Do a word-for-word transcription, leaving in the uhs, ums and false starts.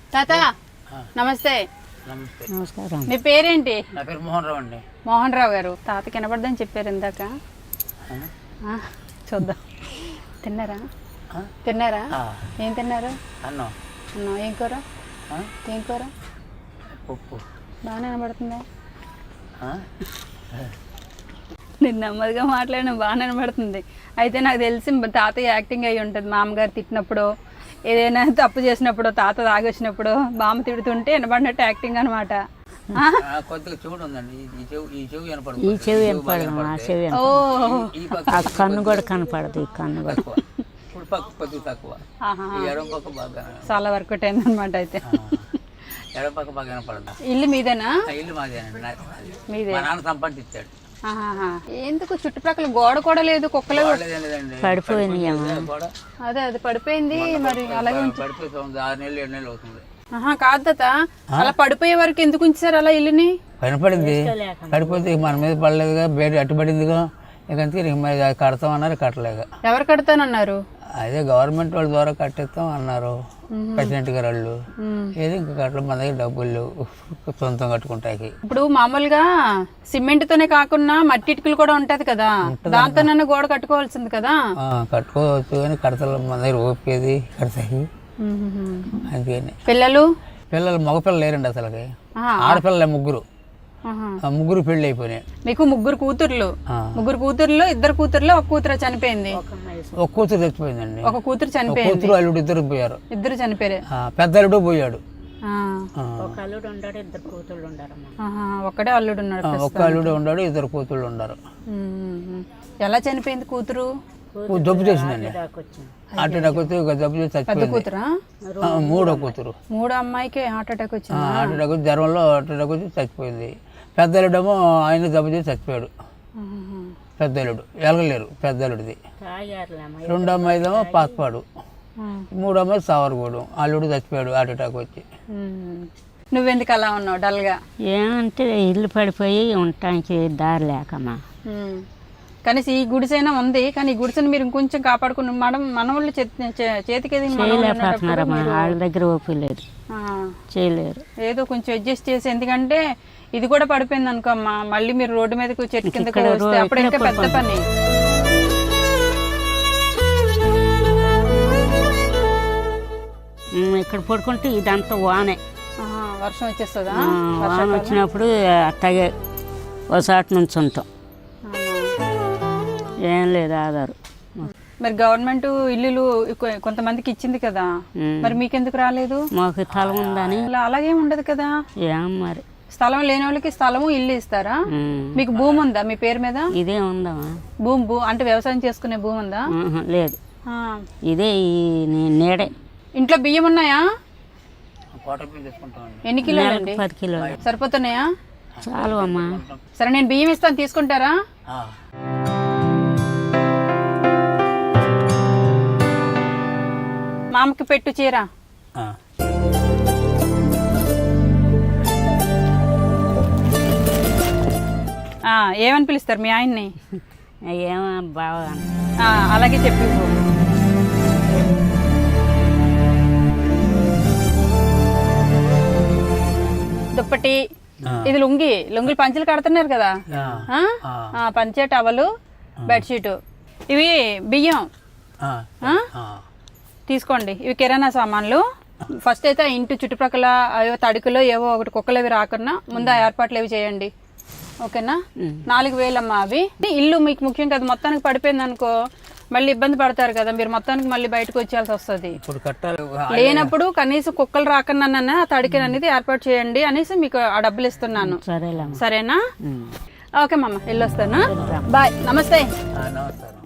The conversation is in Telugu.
తాత నమస్తే. నమస్తే. నమస్కారం. మీ పేరేంటి? నా పేరు మోహన్ రావు అండి. మోహన్ రావు గారు. తాత కనబడదని చెప్పారు ఇందాక. చూద్దాం. తిన్నారా? తిన్నారా? ఏం తిన్నారు? అన్నం. అన్నం. ఏం కూర? ఏం కూర? పప్పు. బాగానే కనబడుతుందా? నేను నెమ్మదిగా మాట్లాడిన బాగానే కనబడుతుంది. అయితే నాకు తెలిసి తాతయ్య యాక్టింగ్ అయ్యి ఉంటుంది. మామగారు తిట్టినప్పుడు, ఏదైనా తప్పు చేసినప్పుడు, తాత తాగొచ్చినప్పుడు బామ్మ తిడుతుంటే వినబడినట్టు యాక్టింగ్ అనమాట. కొద్దిగా చెవుడు ఉందండి. ఈ చెవు ఈ చెవు ఈ చెవి వినపడదు, ఆ చెవి ఆ కన్ను కూడా కనపడదు. ఈ కన్ను కూడా కొద్దిగా తక్కువ. ఎడం పక్క బాగా చాలా వర్కౌట్ అయింది అనమాట. అయితే ఎడం పక్క బాగా వినపడదు. ఇల్లు మీదేనా? ఇల్లు మాదేనండి. మీదే. మా నాన్న సంపాదించాడు. ఎందుకు చుట్టుపక్కల గోడ కూడా లేదు, కుక్కలే పడిపోయింది. అదే అది పడిపోయింది. మరి అలాగే పడిపోతుంది. ఆరు నెలలు ఏడు నెలలు అవుతుంది. కాదు తాత, అలా పడిపోయే వరకు ఎందుకు ఉంచారు అలా ఇల్లుని? పడిపోయింది. పడిపోతే మన మీద పడలేదుగా, బయట అట్టుబడిందిగా. ఇక మరి కడతామన్నారు, కట్టలేక. ఎవరు కడతానన్నారు? అదే గవర్నమెంట్ వాళ్ళ ద్వారా కట్టిస్తాం అన్నారు ప్రెసిడెంట్ గారు వాళ్ళు. ఏది ఇంకా కట్టడం, మన దగ్గర డబ్బులు సొంతం కట్టుకుంటాకి. ఇప్పుడు మామూలుగా సిమెంట్ తోనే కాకుండా మట్టి ఇటుకలు కూడా ఉంటది కదా, దాంతో నన్ను గోడ కట్టుకోవాల్సింది కదా. కట్టుకోవచ్చు కానీ కడతలు మన దగ్గర ఓపేది కడతాయి. అందుకని పిల్లలు పిల్లలు మగపిల్లలు లేరండి అసలుకి. ఆడపిల్లలే ముగ్గురు. ముగ్గురు పెళ్లి అయిపోయినాయి. మీకు ముగ్గురు కూతుర్లు. ముగ్గురు కూతుర్లు, ఇద్దరు కూతుర్లు, ఒక కూతురు చనిపోయింది. ఒక కూతురు చచ్చిపోయిందండి. ఒక కూతురు చనిపోయింది. కూతురు అల్లుడు ఇద్దరు పోయారు. ఇద్దరు చనిపోయారు. పెద్ద అల్లుడు పోయాడు. ఒక్కడే అల్లుడు ఉన్నాడు. ఒక్క అల్లుడు ఉన్నాడు, ఇద్దరు కూతుళ్ళు ఉన్నారు. ఎలా చనిపోయింది కూతురు? జబ్బు చేసిందండి. హార్ట్ అటాక్ వచ్చి జబ్బు చేసి చచ్చిపోయింది. మూడో కూతురు. మూడో అమ్మాయికి హార్ట్ అటాక్ వచ్చింది. హార్ట్ అటాక్ వచ్చి జ్వరంలో హార్ట్ అటాక్ వచ్చి చచ్చిపోయింది. పెద్ద అల్లుడేమో ఆయన జబ్బు చేసి చచ్చిపోయాడు. పెద్ద అల్లుడు ఎలగలేరు. పెద్ద అల్లుడిది. రెండు అమ్మాయిదేమో పాతపాడు. మూడు అమ్మాయి సావరగూడు. అల్లుడు చచ్చిపోయాడు హార్ట్ అటాక్ వచ్చి. నువ్వెందుకు అలా ఉన్నావు డల్ గా? ఏమంటే ఇల్లు పడిపోయి ఉండటానికి దారి లేకమ్మా. కనీసం ఈ గుడిసైనా ఉంది, కానీ ఈ గుడిసెని మీరు ఇంకొంచెం కాపాడుకుని మనం మన వాళ్ళు చేతికి చేయలేకపోతున్నారమ్మా. వాళ్ళ దగ్గర ఓపిక లేదు, చేయలేరు. ఏదో కొంచెం అడ్జస్ట్ చేసి, ఎందుకంటే ఇది కూడా పడిపోయింది అనుకో అమ్మా, మళ్ళీ మీరు రోడ్డు మీదకి చెట్టు కింద అప్పుడు ఇంకా పెద్ద పని. ఇక్కడ పడుకుంటే ఇదంతా వానే, వర్షం వచ్చేస్తుందా? వాన వచ్చినప్పుడు అట్టగే ఒకసాటి నుంచి ఉంటాం. ఏం లేదు ఆధారు. మరి గవర్నమెంట్ ఇల్లులు కొంతమందికి ఇచ్చింది కదా, మరి మీకెందుకు రాలేదు? మాకు స్థలం ఉందని. అలాగే ఉండదు కదా. ఏం మరి స్థలం లేని వాళ్ళకి స్థలము ఇల్లు ఇస్తారా? మీకు భూమి ఉందా మీ పేరు మీద? ఇదే ఉందమ్మా భూమి. భూ అంటే వ్యవసాయం చేసుకునే భూమి ఉందా? లేదు, ఇదే నీడే. ఇంట్లో బియ్యం ఉన్నాయా? ఎన్ని కిలోలు అండి? పది కిలోలు. సరిపోతున్నాయా? చాలు అమ్మా. సరే నేను బియ్యం ఇస్తాను, తీసుకుంటారా? మామకి పెట్టు చీర. ఏమని పిలుస్తారు మీ ఆయన్ని? ఏమో బాగా. అలాగే చెప్పి. దుప్పటి, ఇది లుంగి. లుంగిలు పంచలు కడుతున్నారు కదా, పంచే టవలు, బెడ్షీటు. ఇవి బియ్యం తీసుకోండి. ఇవి కిరాణా సామాన్లు. ఫస్ట్ అయితే ఇంటి చుట్టుపక్కల ఏవో తడుకులో ఏవో ఒకటి కుక్కలు అవి రాకుండా ముందు ఆ ఏర్పాట్లు అవి చేయండి, ఓకేనా? నాలుగు వేలమ్మా అవి. ఇల్లు మీకు ముఖ్యం కదా, మొత్తానికి పడిపోయింది అనుకో మళ్ళీ ఇబ్బంది పడతారు కదా మీరు, మొత్తానికి మళ్ళీ బయటకు వచ్చేయాల్సి వస్తుంది. లేనప్పుడు కనీసం కుక్కలు రాకుండా ఆ తడికని అనేది ఏర్పాటు చేయండి అనేసి మీకు ఆ డబ్బులు ఇస్తున్నాను. సరేనా? ఓకే మామ, వెళ్ళొస్తాను. బాయ్. నమస్తే.